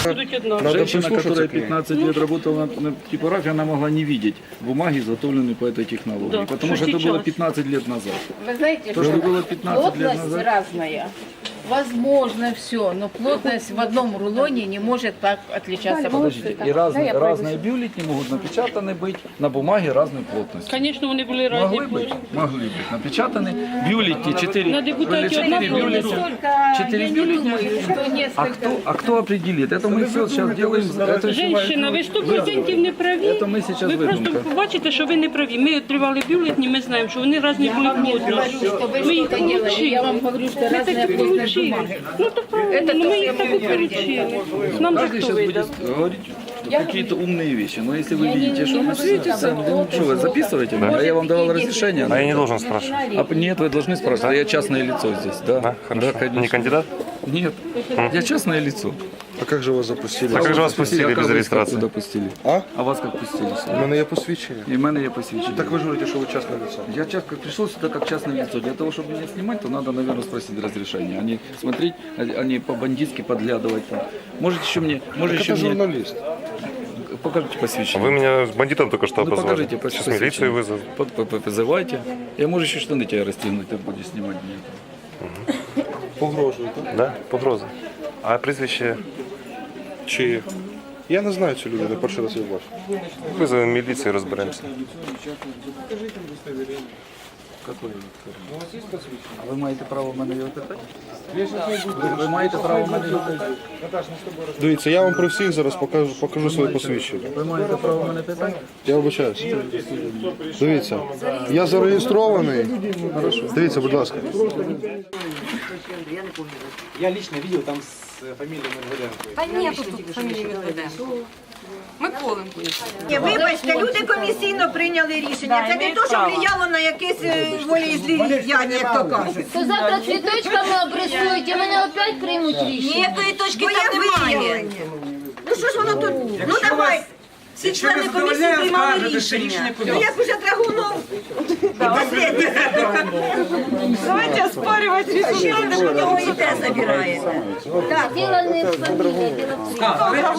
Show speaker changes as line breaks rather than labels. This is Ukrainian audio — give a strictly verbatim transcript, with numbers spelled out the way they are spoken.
будуть однакові.
Надо
Женщина,
прислушаться
которая
к ней.
пятнадцать лет работала на, на типографии, она могла не видеть бумаги, изготовленные по этой технологии.
Да,
Потому
что
что это было
сейчас.
пятнадцать лет назад.
Вы знаете,
То,
что
что было пятнадцать лет
плотность
назад.
разная. Возможно все, но плотность в одном рулоне не может так отличаться.
Подождите, и разные, разные бюллетени могут напечатаны быть на бумаге разной плотности.
Звісно, вони були різні.
Могли быть, могли быть напечатаны бюллетени, четыре,
На депутате одна
четыре
плотность.
бюллетня.
Только
Четыре
я не
бюллетня.
думаю, что
А
несколько...
кто, а кто определит? Это мы все сейчас делаем. Это всё-
Женщина, ви сто відсотків не праві.
Це ми зараз
Ви просто
видумка.
побачите, що ви не праві. Ми отримали бюлетні, ми знаємо, що вони різні були плотності.
Что вы
Ми їх
что-то делали,
получили.
я вам говорю, что
Ми
разная
такі
плотность
получили.
бумаги.
Ну то правильно,
Это
ну,
то,
ми
что
їх
я
так і
могу говорить.
получили. Нам за
Каждый
хто
сейчас будет
видав?
говорить какие-то умные вещи. Но если вы видите, что вы светится, что вы записываете? А я вам давал разрешение.
А я не должен спрашивать.
А нет, вы должны спрашивать. А я частное лицо здесь, да?
Да, хорошо.
конечно.
Не кандидат?
Нет, я частное лицо.
А как же вас запустили?
А как же вас пустили
а
без
как вас
регистрации?
Куда пустили?
А?
А вас как пустили?
У мене є посвідчення.
И в мене є посвящение.
Так ви ж говорите, що ви частне лицо.
Я часто пришел сюда как частное лицо. Для того, чтобы меня снимать, то надо, наверное, спросить разрешение. А не смотреть, а не по-бандитски подглядывать там. Может еще мне, может
Так
еще
это
мне...
журналист.
Покажите посвящение.
Вы меня с бандитом только что
Ну
обозвали.
покажите
Сейчас
посвящение.
милицию вызову.
По- по- по- Позывайте. Я, может, еще штаны тебя расстегнуть, ты будешь снимать мне.
Погрожуєте.
Да? Погроза. А прізвище?
Чи... Я не знаю цю людину, перший раз я бачу.
Визовемо міліцію, розберемося.
Какой? А ви маєте право в мене його питати? Ви, ви маєте право в мене його питати?
Дивіться, я вам при всіх зараз покажу, покажу своє посвідчення.
Ви маєте право в мене питати?
Я вибачаюсь. Дивіться, я зареєстрований. Дивіться, будь ласка.
Я лично видел там с фамилией Медведенко.
Та ні, тут фамілії Медведенко. Миколенко.
Ні, вибачте, люди комісійно прийняли рішення. Це не то, що влияло на якесь е, волеізлияння, як то кажуть.
То завтра цвіточками обрисують і мене опять приймуть рішення.
Ніякої точки там немає. Ну що ж воно тут? Ну давай. Всі члени комісії приймали рішення. Ну як уже Драгунов? Давайте оспарювати. А ще раз у нього і те забираєте.
Діло не в фамілії, діло в